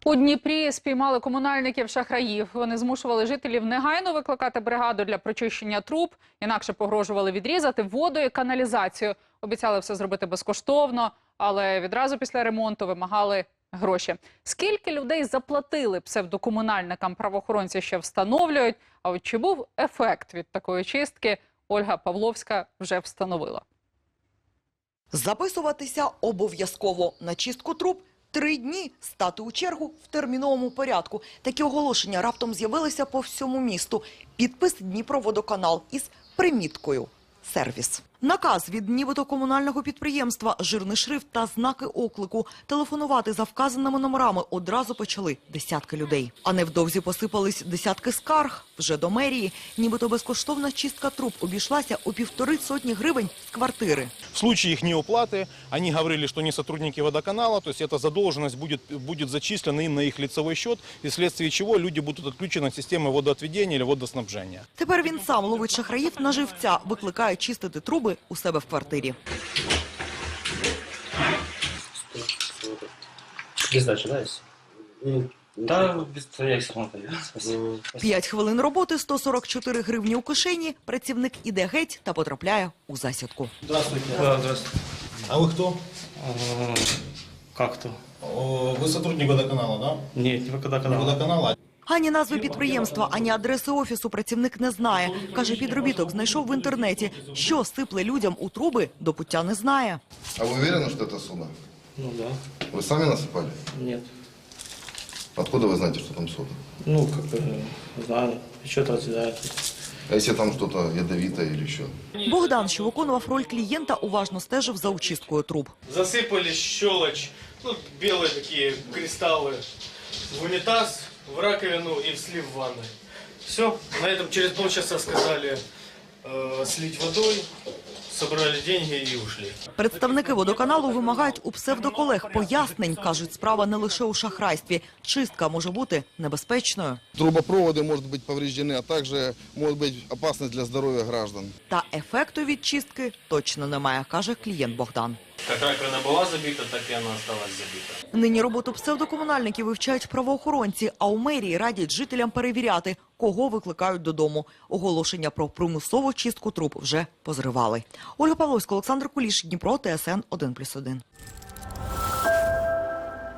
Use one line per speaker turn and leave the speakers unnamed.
У Дніпрі спіймали комунальників-шахраїв. Вони змушували жителів негайно викликати бригаду для прочищення труб, інакше погрожували відрізати воду і каналізацію. Обіцяли все зробити безкоштовно, але відразу після ремонту вимагали гроші. Скільки людей заплатили псевдокомунальникам, правоохоронці ще встановлюють. А от чи був ефект від такої чистки, Ольга Павловська вже встановила.
Записуватися обов'язково. На чистку труб 3 дні. Стати у чергу в терміновому порядку. Такі оголошення раптом з'явилися по всьому місту. Підпис «Дніпроводоканал» із приміткою «Сервіс». Наказ від нібито комунального підприємства, жирний шрифт та знаки оклику. Телефонувати за вказаними номерами одразу почали десятки людей. А невдовзі посипались десятки скарг. Вже до мерії. Нібито безкоштовна чистка труб обійшлася у 150 гривень з квартири.
В случае их неуплаты, они говорили, что они сотрудники водоканала, то есть эта задолженность будет зачислена им на их лицевой счет, и вследствие чего люди будут отключены от системы водоотведения или водоснабжения.
Тепер він сам ловить шахраїв на живця, викликає чистити труби у себе в квартирі.
Без дачи, да, есть? Да, без твоей самоты. Спасибо.
5 хвилин роботи, 144 гривні у кишені. Працівник іде геть та потрапляє у засідку.
Здравствуйте. Да, здравствуйте.
А вы кто?
Как то?
Вы сотрудник водоканала, да?
Нет, не водоканал.
Водоканала.
Ані назви підприємства, ані адреси офісу працівник не знає. Каже, підробіток знайшов в інтернеті. Що сипле людям у труби, до пуття не знає.
А вы уверены, что это сода?
Ну да.
Вы сами насыпали?
Нет.
Откуда вы знаете, что там сода?
Ну, как бы, знаю. Что-то разъедает.
А если там что-то ядовитое или еще?
Богдан, що виконував роль клієнта, уважно стежив за очисткою труб.
Засыпали щелочь, ну, белые такие кристаллы в унитаз, в раковину и в слив ванны. Все. На этом через полчаса сказали слить водой, собрали деньги и ушли.
Представники водоканалу вимагають у псевдоколег пояснень. Кажуть, справа не лише у шахрайстві. Чистка може бути небезпечною.
Трубопроводы могут быть повреждены, а также может быть опасность для здоровья граждан.
Та ефекту від чистки точно немає, каже клієнт Богдан.
Как раковина была забита, так и она осталась забита.
Нині роботу псевдокомунальників вивчають правоохоронці, а у мерії радять жителям перевіряти, кого викликають додому. Оголошення про примусову чистку труб вже позривали. Ольга Павловська, Олександр Куліш, Дніпро, ТСН 1+1.